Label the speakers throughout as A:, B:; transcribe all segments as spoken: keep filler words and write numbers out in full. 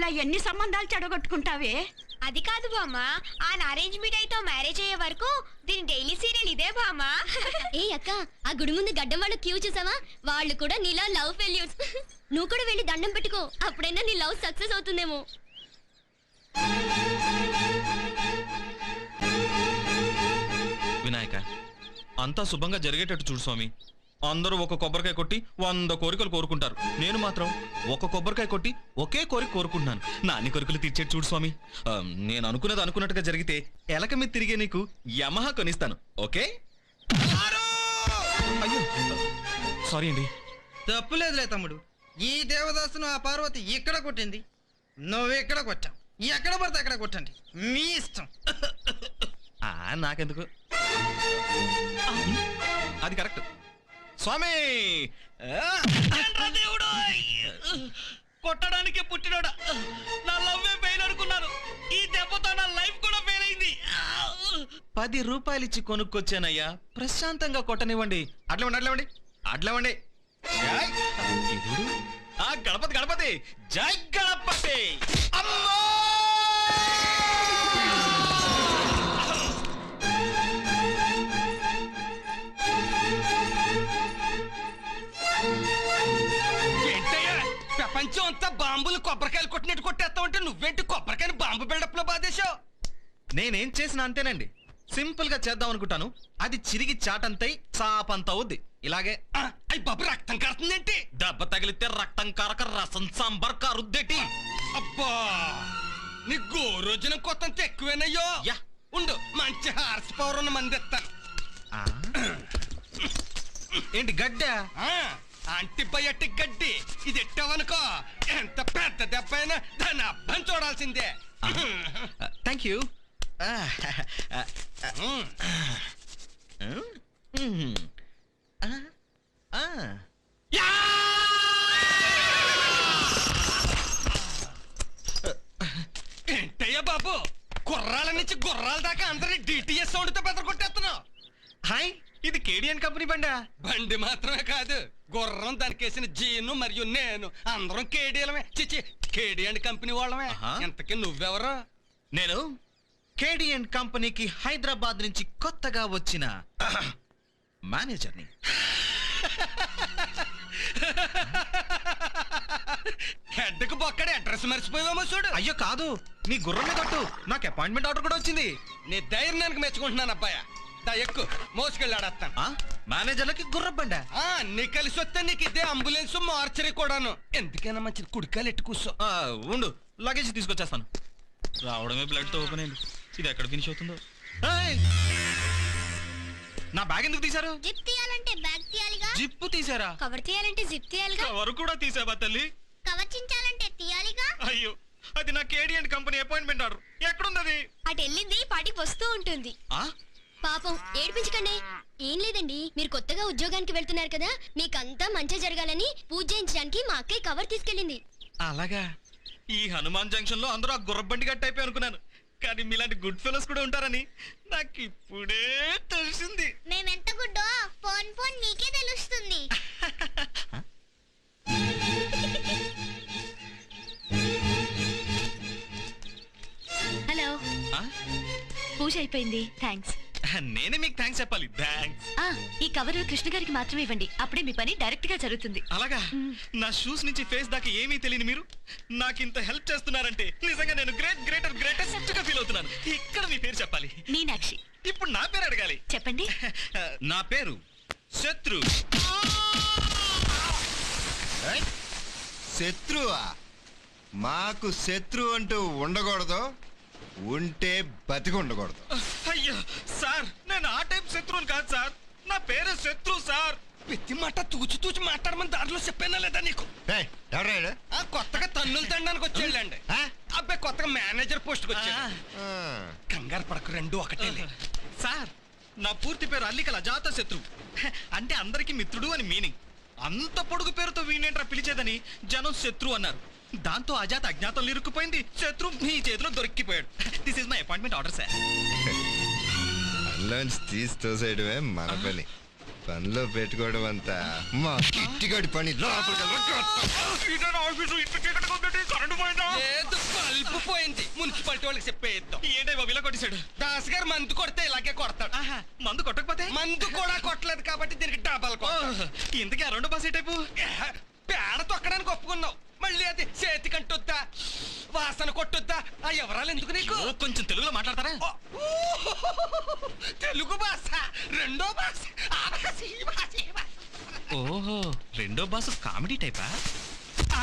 A: అలా ఎన్ని సంబంధాలు చెడగొట్టుకుంటావే?
B: అది కాదు బామ్మ, ఆ అరేంజ్ మీట్ అయితే మ్యారేజ్ అయ్యే వరకు దీని డైలీ సీరియల్ ఇదే బామ్మ.
C: ఏ అక్క, ఆ గుడి ముందు గడ్డం వాళ్ళు క్యూ చూసావా? వాళ్ళు కూడా నీలా లవ్ ఫెయిల్యూర్స్. నువ్వు కూడా వెళ్ళి దండం పెట్టుకో, అప్పుడైనా నీ లవ్ సక్సెస్ అవుతుందేమో.
D: వినాయక, అంతా శుభంగా జరిగేటట్టు చూడు స్వామి. అందరూ ఒక కొబ్బరికాయ కొట్టి వంద కోరికలు కోరుకుంటారు. నేను మాత్రం ఒక కొబ్బరికాయ కొట్టి ఒకే కోరిక కోరుకుంటున్నాను. నా అన్ని కోరికలు తీర్చేట్టు చూడు స్వామి. నేను అనుకున్నది అనుకున్నట్టుగా జరిగితే ఎలక మీద తిరిగే నీకు యమహా కొనిస్తాను. ఓకే? అయ్యో సారీ అండి.
E: తప్పులేదులే తమ్ముడు. ఈ దేవదాసును ఆ పార్వతి ఇక్కడ కొట్టింది, నువ్వు ఇక్కడ కొట్టావు. ఎక్కడ పడితే అక్కడ కొట్టండి, మీ ఇష్టం.
D: నాకెందుకు, అది కరెక్ట్. స్వామి దేవుడు, కొట్టడానికి పుట్టినోడా, నా లవ్వే ఫెయిల్ అనుకున్నాను. ఈ దెబ్బతో నా లైఫ్ కూడా ఫెయిల్ అయింది. పది రూపాయలు ఇచ్చి కొనుక్కొచ్చానయ్యా, ప్రశాంతంగా కొట్టనివ్వండి. అట్లవండి అట్లవండి అట్లవండి. ఆ గణపతి గణపతి, జై గణపతి. అమ్మో
E: ప్రపంచం అంతా బాంబులు కొబ్బరికాయలు కొట్టినట్టు కొట్టేస్తా ఉంటే నువ్వేంటి కొబ్బరికాయని బాంబు బిల్డప్ లో బాధేశావు?
D: నేనేం చేసినా అంతేనండి. సింపుల్ గా చేద్దాం అనుకుంటాను, అది చిరిగి చాటంతై చాపంత అవుద్ది. ఇలాగే
E: అయ్యి బాబు, రక్తం కారుతుందేంటి?
D: దెబ్బ తగిలితే రక్తం కారక రసం సాంబార్ కారుద్దేటి.
E: అబ్బా, నీ గోరోజనం కొత్త ఎక్కువేనయ్యో.
D: యా
E: ఉండు, మంచి హార్స్ పవర్ ఉన్న మంది ఎత్తాను.
D: ఏంటి గడ్డ?
E: యాంటీబయాటిక్ గడ్డి. ఇది ఎట్టావనుకో, ఎంత పెద్ద దెబ్బ అయినా దాన్ని అబ్బం చూడాల్సిందే.
D: Thank you.
E: ఏంటయ్యా బాబు, గుర్రాల నుంచి గుర్రాల దాకా అందరినీ డిటిఎస్ సౌండ్ తో పెద్ద కొట్టేస్తున్నావు.
D: హాయ్, ఇది కేడియన్ కంపెనీ బండా?
E: బండి మాత్రమే కాదు, గుర్రం దానికేసిన జీను మరియు నేను అందరం కేడియలమే. చిచి, కేడియన్ కంపెనీ వాళ్ళమే. ఇంతకీ నువ్వెవరు?
D: నేను కేడియన్ కంపెనీకి హైదరాబాద్ నుంచి కొత్తగా వచ్చిన మేనేజర్ని.
E: హెడ్కి బొక్కడే అడ్రస్ మర్చిపోయామో చూడు.
D: అయ్యో కాదు, నీ గుర్రం మీద కొట్టు, నాకు అపాయింట్మెంట్ ఆర్డర్ కూడా వచ్చింది.
E: నీ ధైర్యానికి మెచ్చుకుంటున్నాను అబ్బాయ. ఎక్కు, మోసుకెళ్ళి ఆడేస్తాను.
D: మేనేజర్లకి గుర్రబండా?
E: నీ కలిసి వస్తే నీకు ఇదే అంబులెన్స్ మార్చరీ కూడాను. ఎందుకైనా మంచిది, కుడికాయలు ఎట్టు కూర్చో.
D: ఉండు, లగేజ్ తీసుకొచ్చేస్తాను. రావడమే బ్లడ్ తో ఓపెన్ అయింది, ఇది ఎక్కడ ఫినిష్ అవుతుందో. నా బ్యాగ్ ఎందుకు తీశారు?
C: జిప్ తీయాలంటే బ్యాగ్ తీయాలిగా.
D: జిప్పు తీసారా?
C: కవర్ తీయాలంటే జిప్ తీయాలిగా.
D: కవర్ కూడా తీసావా తల్లి?
C: కవర్ చించాలంటే తీయాలిగా.
D: అయ్యో, అది నా కేడియన్ కంపెనీ అపాయింట్మెంట్ ఆర్డర్. ఎక్కడున్నది?
B: అటు వెళ్ళింది, పాటికి వస్తూ ఉంటుంది.
C: పాపం ఏడిపించకండి. ఏం లేదండి, మీరు కొత్తగా ఉద్యోగానికి వెళ్తున్నారు కదా, మీకంతా మంచి జరగాలని పూజ చేయించడానికి మా అక్కయ్య కవర్ తీసుకెళ్ళింది.
D: అలాగా? ఈ హనుమాన్ జంక్షన్ లో అందరూ ఆ గుర్రబండి గట్టి అయిపోయి అనుకున్నాను, కానీ మీలాంటి గుడ్ ఫెలోస్ కూడా ఉంటారని నాకు ఇప్పుడే తెలిసింది.
C: మేమెంత గుడ్డో ఫోన్ ఫోన్ మీకే తెలుస్తుంది.
A: హలో, పూజ అయిపోయింది, థ్యాంక్స్.
D: నేనే మీకు థ్యాంక్స్ చెప్పాలి. థ్యాంక్స్.
A: ఈ కవర్ కృష్ణ గారికి మాత్రమే ఇవ్వండి, అప్పుడే మీ పని డైరెక్ట్ గా జరుగుతుంది.
D: అలాగా? నా షూస్ నుంచి ఫేస్ దాకా ఏమీ తెలియని మీరు నాకు ఇంత హెల్ప్ చేస్తున్నారంటే నిజంగా నేను గ్రేట్ గ్రేటర్ గ్రేటెస్ట్ గా ఫీల్ అవుతున్నాను. ఇక్కడ మీ పేరు చెప్పాలి.
A: మీనాక్షి.
D: ఇప్పుడు నా పేరు అడగాలి.
A: చెప్పండి.
D: నా పేరు శత్రు.
F: శత్రువా? మాకు శత్రు అంటూ ఉండకూడదు, ఉంటే బతికి ఉండకూడదు.
D: అయ్యో సార్, నేను ఆ టైప్ శత్రువుని కాదు సార్, నా పేరు శత్రు సార్.
E: ప్రతి మాట తూచి తూచి మాట్లాడమని దాంట్లో చెప్పానా లేదా నీకు? కొత్తగా తన్నులు తండానికి వచ్చేళ్ళండి. అబ్బాయి కొత్తగా మేనేజర్ పోస్ట్ వచ్చాడు. కంగారు పడకు, రెండు ఒకటే.
D: సార్, నా పూర్తి పేరు అల్లికల అజాత శత్రు, అంటే అందరికి మిత్రుడు అని మీనింగ్. అంత పొడుగు పేరుతో వీణేంట్రా పిలిచేదని జనం శత్రు అన్నారు. దాంతో అజాత అజ్ఞాతంలో ఇరుక్కుపోయింది, శత్రు మీ చేతిలో దొరికిపోయాడు. This is my appointment order sir.
F: పనిలోంచి తీసి తోసేయడమే మన పని, పనిలో పెట్టుకోవడం అంతా మా కిట్టిగడి పని.
E: లేదు మున్సిపాలిటీ వాళ్ళకి చెప్పేద్దాం.
D: ఏంటే బాబు ఇలా కొట్టేశాడు?
E: దాస్ గారు మందు కొడితే ఇలాగే కొడతాడు.
D: ఆహా, మందు కొట్టకపోతే
E: మందు కూడా కొట్టలేదు కాబట్టి దీనికి డబల్ కొడతాడు.
D: ఇంతకీ ఆ రెండో బాస్ ఏ టైపు?
E: పేడ తొక్కడానికి ఒప్పుకున్నావు, మళ్ళీ అది చేతి కంటొద్దా వాసన కొట్టొద్దా? ఆ ఎవరాలు ఎందుకు నీకు?
D: ఓ, కొంచెం తెలుగులో మాట్లాడతారా?
E: ఓ, ఊ, తెలుగు భాష రెండో భాష, ఆ భాష, ఈ భాష, ఈ భాష.
D: ఓహో, రెండో బాస్ కామెడీ టైపా? ఆ!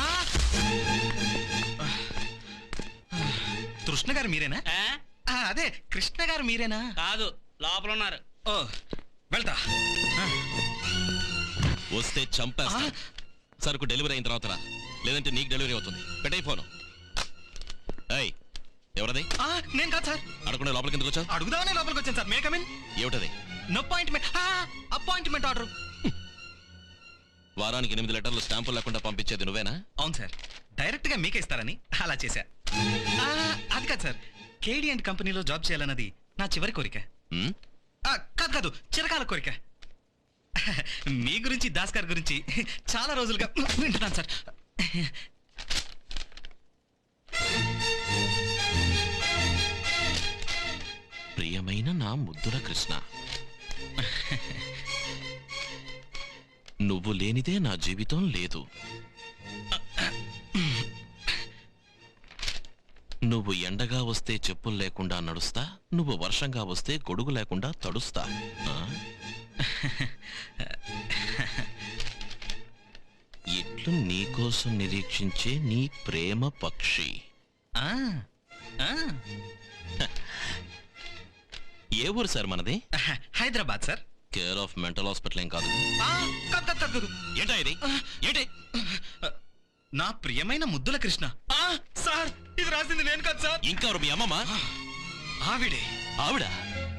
D: కృష్ణ గారు మీరేనా? ఆ, అదే కృష్ణ గారు మీరేనా?
G: కాదు, లోపల ఉన్నారు.
D: ఓ, వెళ్తా. ఆ,
H: వస్తే చంపేస్తా. సరుకు డెలివరీ అయిన తర్వాత రా, లేదంటే నీకు డెలివరీ అవుతుంది. పెట్టే ఫోను. ఏయ్, ఎవరది?
D: ఆ, నేను కాదు సార్.
H: అడగకుండా లోపలికి ఎందుకు వచ్చావు?
D: అడుగుదామనే లోపలికి వచ్చాను సార్. May come in?
H: ఏమిటది?
D: No appointment. Appointment order.
H: వారానికి ఎనిమిది లెటర్లు స్టాంపులు లేకుండా పంపించేది నువ్వేనా?
D: అవును సార్, డైరెక్ట్ గా మీకే ఇస్తారని అలా చేశా. ఆ, అది కాదు సార్, కేడి అండ్ కంపెనీలో జాబ్ చేయాలన్నది నా చివరి కోరిక.
H: ఉమ్?
D: ఆ, కాదు కాదు, చిరకాల కోరిక. మీ గురించి, దాస్ గారి గురించి చాలా రోజులుగా వింటున్నాను సార్.
H: ప్రియమైన నా ముద్దుల కృష్ణ, నువ్వు లేనిదే నా జీవితం లేదు. నువ్వు ఎండగా వస్తే చెప్పులు లేకుండా నడుస్తా, నువ్వు వర్షంగా వస్తే గొడుగు లేకుండా తడుస్తా. ఆ? ఇట్లు నీకోసం నిరీక్షించే నీ ప్రేమ పక్షి.
D: ఆ, ఆ,
H: ఏ ఊరు సార్ మనది?
D: Hyderabad sir.
H: Care of mental hospital ఏం కాదు.
D: ఆ, కాదు కాదు కాదు కాదు.
H: ఏంటా ఇది? ఏంటి?
D: నా ప్రియమైన ముద్దుల కృష్ణ. ఆ, సార్, ఇది రాసింది నేను కాదు సార్.
H: ఇంకెవరు మీ అమ్మమ్మ?
D: ఆవిడే.
H: ఆవిడ?